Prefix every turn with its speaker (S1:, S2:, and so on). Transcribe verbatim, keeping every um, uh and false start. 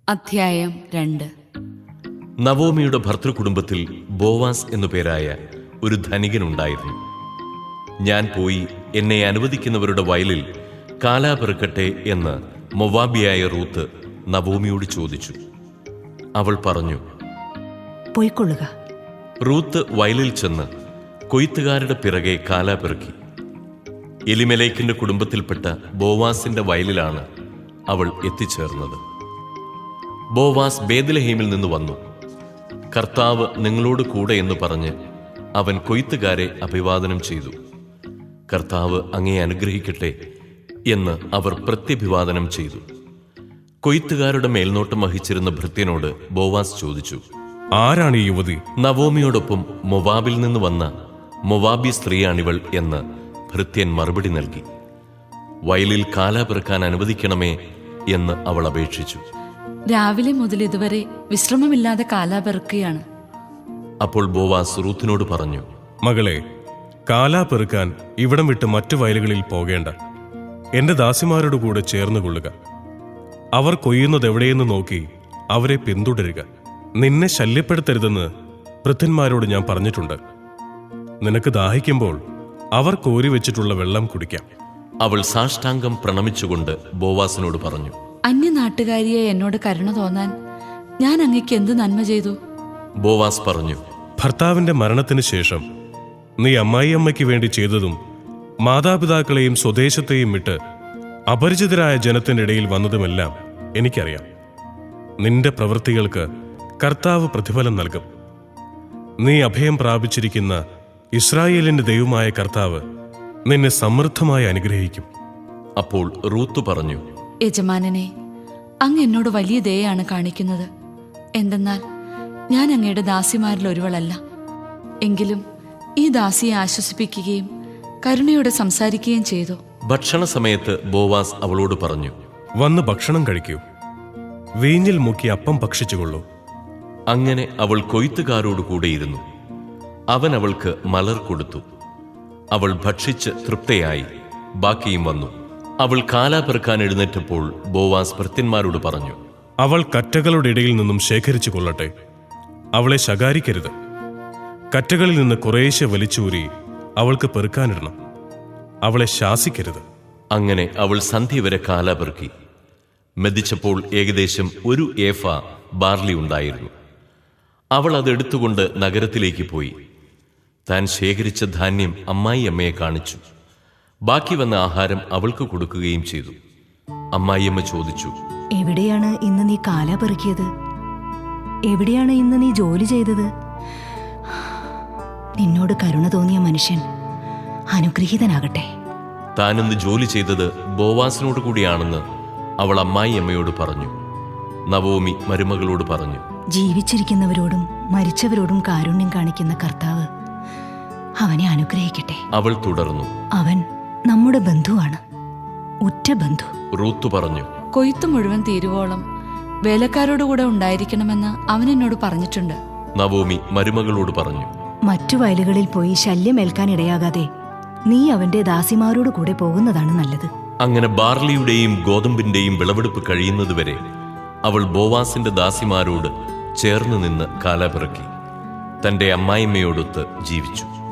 S1: അധ്യായം രണ്ട്.
S2: നവോമിയുടെ ഭർതൃകുടുംബത്തിൽ ബോവാസ് എന്നു പേരായ ഒരു ധനികനുണ്ടായിരുന്നു. ഞാൻ പോയി എന്നെ അനുവദിക്കുന്നവരുടെ വയലിൽ കാലാ പെറുക്കട്ടെ എന്ന് മൊവാബിയായ റൂത്ത് നവോമിയോട് ചോദിച്ചു. അവൾ പറഞ്ഞു,
S3: പോയിക്കൊള്ളുക.
S2: റൂത്ത് വയലിൽ ചെന്ന് കൊയ്ത്തുകാരുടെ പിറകെ കാലാ പെറുക്കി. എലിമെലേക്കിന്റെ കുടുംബത്തിൽപ്പെട്ട ബോവാസിന്റെ വയലിലാണ് അവൾ എത്തിച്ചേർന്നത്. ബോവാസ് ബേത്ലഹേമിൽ നിന്ന് വന്നു. കർത്താവ് നിങ്ങളോട് കൂടെ എന്ന് പറഞ്ഞ് അവൻ കൊയ്ത്തുകാരെ അഭിവാദനം ചെയ്തു. കർത്താവ് അങ്ങയെ അനുഗ്രഹിക്കട്ടെ എന്ന് അവർ പ്രത്യഭിവാദനം ചെയ്തു. കൊയ്ത്തുകാരുടെ മേൽനോട്ടം വഹിച്ചിരുന്ന ഭൃത്യനോട് ബോവാസ് ചോദിച്ചു,
S4: ആരാണ് ഈ യുവതി?
S2: നവോമിയോടൊപ്പം മൊവാബിൽ നിന്ന് വന്ന മൊവാബി സ്ത്രീയാണിവൾ എന്ന് ഭൃത്യൻ മറുപടി നൽകി. വയലിൽ കാലാ പെറുക്കാൻ അനുവദിക്കണമേ എന്ന് അവൾ അപേക്ഷിച്ചു.
S1: രാവിലെ മുതൽ ഇതുവരെ വിശ്രമമില്ലാതെ കാലാ പെറുക്കുകയാണ്.
S2: അപ്പോൾ ബോവാസ് റൂത്തിനോട് പറഞ്ഞു,
S4: മകളെ, കാലാ പെറുക്കാൻ ഇവിടം വിട്ട് മറ്റു വയലുകളിൽ പോകേണ്ട. എന്റെ ദാസിമാരോട് കൂടെ ചേർന്ന് കൊള്ളുക. അവർ കൊയ്യുന്നത് എവിടെയെന്ന് നോക്കി അവരെ പിന്തുടരുക. നിന്നെ ശല്യപ്പെടുത്തരുതെന്ന് ഭൃത്യന്മാരോട് ഞാൻ പറഞ്ഞിട്ടുണ്ട്. നിനക്ക് ദാഹിക്കുമ്പോൾ അവർ കോരി വെച്ചിട്ടുള്ള വെള്ളം കുടിക്കാം.
S2: അവൾ സാഷ്ടാംഗം പ്രണമിച്ചുകൊണ്ട് ബോവാസിനോട് പറഞ്ഞു,
S1: അന്യനാട്ടുകാരിയെ എന്നോട് കരുണ തോന്നാൻ ഞാൻ അങ്ങയ്ക്ക് എന്ത് നന്മ ചെയ്തു?
S2: ബോവാസ് പറഞ്ഞു,
S4: ഭർത്താവിന്റെ മരണത്തിന് ശേഷം നീ അമ്മായിയമ്മയ്ക്ക് വേണ്ടി ചെയ്തതും മാതാപിതാക്കളെയും സ്വദേശത്തെയും വിട്ട് അപരിചിതരായ ജനത്തിന്റെ ഇടയിൽ വന്നതുമെല്ലാം എനിക്കറിയാം. നിന്റെ പ്രവൃത്തികൾക്ക് കർത്താവ് പ്രതിഫലം നൽകും. നീ അഭയം പ്രാപിച്ചിരിക്കുന്ന ഇസ്രായേലിന്റെ ദൈവമായ കർത്താവ് നിന്നെ സമൃദ്ധമായി അനുഗ്രഹിക്കും.
S2: അപ്പോൾ റൂത്ത് പറഞ്ഞു,
S1: യജമാനനെ, അങ്ങ് എന്നോട് വലിയ ദയയാണ് കാണിക്കുന്നത്. എന്തെന്നാൽ ഞാൻ അങ്ങയുടെ ദാസിമാരിൽ ഒരുവളല്ല. എങ്കിലും ഈ ദാസിയെ ആശ്വസിപ്പിക്കുകയും കരുണയോടെ സംസാരിക്കുകയും ചെയ്തു.
S2: ഭക്ഷണ സമയത്ത് ബോവാസ് അവളോട് പറഞ്ഞു,
S4: വന്ന് ഭക്ഷണം കഴിക്കൂ. വീഞ്ഞിൽ മുക്കി അപ്പം ഭക്ഷിച്ചുകൊള്ളൂ.
S2: അങ്ങനെ അവൾ കൊയ്ത്തുകാരോട് കൂടെയിരുന്നു. അവൻ അവൾക്ക് മലർ കൊടുത്തു. അവൾ ഭക്ഷിച്ച് തൃപ്തയായി. ബാക്കിയും വന്നു. അവൾ കാലാ പെറുക്കാൻ എഴുന്നേറ്റപ്പോൾ ബോവാസ് ഭൃത്യന്മാരോട് പറഞ്ഞു,
S4: അവൾ കറ്റകളുടെ ഇടയിൽ നിന്നും ശേഖരിച്ചു കൊള്ളട്ടെ. അവളെ ശകാരിക്കരുത്. കറ്റകളിൽ നിന്ന് കുറേശ്ശെ വലിച്ചൂരി അവൾക്ക് പെറുക്കാനിടണം. അവളെ ശാസിക്കരുത്.
S2: അങ്ങനെ അവൾ സന്ധ്യ വരെ കാലാ പെറുക്കി. മെതിച്ചപ്പോൾ ഏകദേശം ഒരു ഏഫ ബാർലി ഉണ്ടായിരുന്നു. അവൾ അതെടുത്തുകൊണ്ട് നഗരത്തിലേക്ക് പോയി. താൻ ശേഖരിച്ച ധാന്യം അമ്മായി അമ്മയെ കാണിച്ചു. ബാക്കി വന്ന ആഹാരം അവൾക്ക് കൊടുക്കുകയും ചെയ്തു. അമ്മായിയമ്മ ചോദിച്ചു,
S3: എവിടെയാണ് ഇന്ന് നീ കാലാ പെറുക്കിയത്? എവിടെയാണ് ഇന്ന് നീ ജോലി ചെയ്തത്? നിന്നോട് കരുണ തോന്നിയ മനുഷ്യൻ അനുഗ്രഹീതനാകട്ടെ.
S2: താനിന്ന് ജോലി ചെയ്തത് ബോവാസിനോട് കൂടിയാണെന്ന് അവൾ അമ്മായിയമ്മയോട് പറഞ്ഞു. നവോമി മരുമകളോട് പറഞ്ഞു,
S3: ജീവിച്ചിരിക്കുന്നവരോടും മരിച്ചവരോടും കാരുണ്യം കാണിക്കുന്ന കർത്താവ് അവനെ അനുഗ്രഹിക്കട്ടെ.
S2: അവൾ തുടർന്നു,
S3: അവൻ നമ്മുടെ ബന്ധുവാണ്, ഉറ്റ ബന്ധു.
S2: റൂത്ത് പറഞ്ഞു,
S1: കൊയ്ത്ത് മുഴുവൻ തീരുവോളം വേലക്കാരോടുകൂടെ ഉണ്ടായിരിക്കണമെന്ന് അവൻ എന്നോട് പറഞ്ഞിട്ടുണ്ട്.
S2: നവോമി മരുമകളോട് പറഞ്ഞു,
S3: മറ്റു വയലുകളിൽ പോയി ശല്യമേൽക്കാൻ ഇടയാകാതെ നീ അവന്റെ ദാസിമാരോട് കൂടെ പോകുന്നതാണ് നല്ലത്.
S2: അങ്ങനെ ബാർലിയുടെയും ഗോതമ്പിന്റെയും വിളവെടുപ്പ് കഴിയുന്നതുവരെ അവൾ ബോവാസിന്റെ ദാസിമാരോട് ചേർന്ന് നിന്ന് കാലാ പെറുക്കി തന്റെ അമ്മായിമ്മയോടൊത്ത് ജീവിച്ചു.